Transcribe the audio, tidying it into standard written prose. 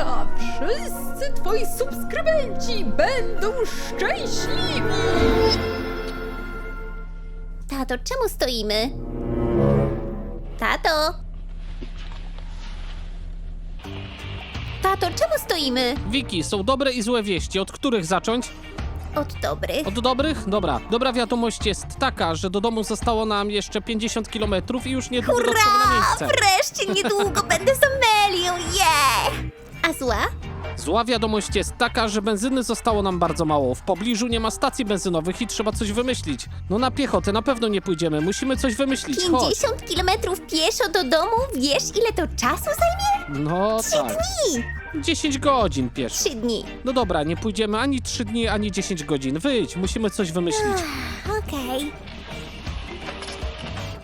lata wszyscy twoi subskrybenci będą szczęśliwi! Tato, czemu stoimy? Tato! Tato, czemu stoimy? Wiki, są dobre i złe wieści. Od których zacząć? Od dobrych. Od dobrych? Dobra. Dobra wiadomość jest taka, że do domu zostało nam jeszcze 50 km i już niedługo dotrzemy na Hurra! miejsce. Wreszcie niedługo będę z Amelią, yeah! A zła? Zła wiadomość jest taka, że benzyny zostało nam bardzo mało. W pobliżu nie ma stacji benzynowych i trzeba coś wymyślić. No na piechotę na pewno nie pójdziemy. Musimy coś wymyślić. Chodź. 50 kilometrów pieszo do domu? Wiesz, ile to czasu zajmie? No 3 tak. dni! 10 godzin pieszo. 3 dni. No dobra, nie pójdziemy ani 3 dni, ani 10 godzin. Wyjdź, musimy coś wymyślić.